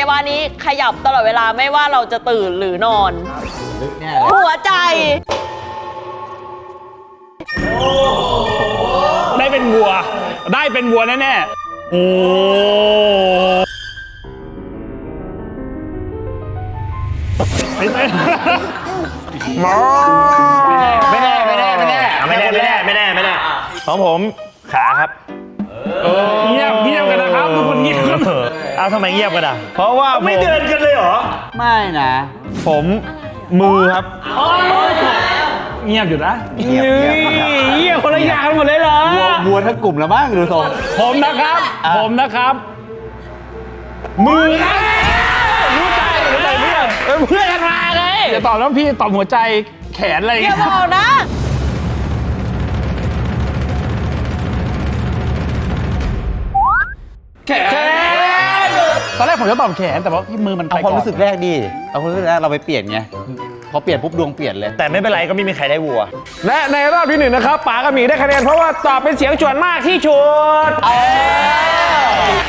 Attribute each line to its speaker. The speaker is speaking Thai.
Speaker 1: วะนี้ขยับตลอดเวลาไม่ว่าเราจะตื่นหรือนอนหัวใจ
Speaker 2: ได้เป็นวัวแน่ๆโอ้ไม่แน่
Speaker 3: ของผมขาครับ
Speaker 2: เงียบกันนะครับทุกคนเงียบกัน
Speaker 3: เอาทำไมเงียบกันอ่ะเพราะว่าไม่เดินกันเลยเหรอไม่นะผมมือครับ
Speaker 2: เงียบอยู่นะ
Speaker 3: เงียบคนละอย่างกันหมดเลยเหรอวัวทั้งกลุ่มแล้วมั้งดูทรง
Speaker 2: ผมนะครับมือนะรู้ใจเพื่อนกันมาเลยอย่าตอบแล้วพี่ตอบหัวใจแขนอะไรอย่าง
Speaker 1: อย่า
Speaker 2: เงี้ย
Speaker 1: บอกนะ
Speaker 2: แขนตอนแรกผมจะตอบแขนแต่ว่าพี่มือมันไป
Speaker 3: เอาความรู้สึกแรกดิเอาความรู้สึกแรกเราไปเปลี่ยนไงพอเปลี่ยนปุ๊บดวงเปลี่ยนเลยแต่ไม่เป็นไรก็ไม่มีใครได้วัว
Speaker 2: และในรอบที่ 1นะครับป๋ากับหมีได้คะแนนเพราะว่าตอบเป็นเสียงส่วนมากที่สุด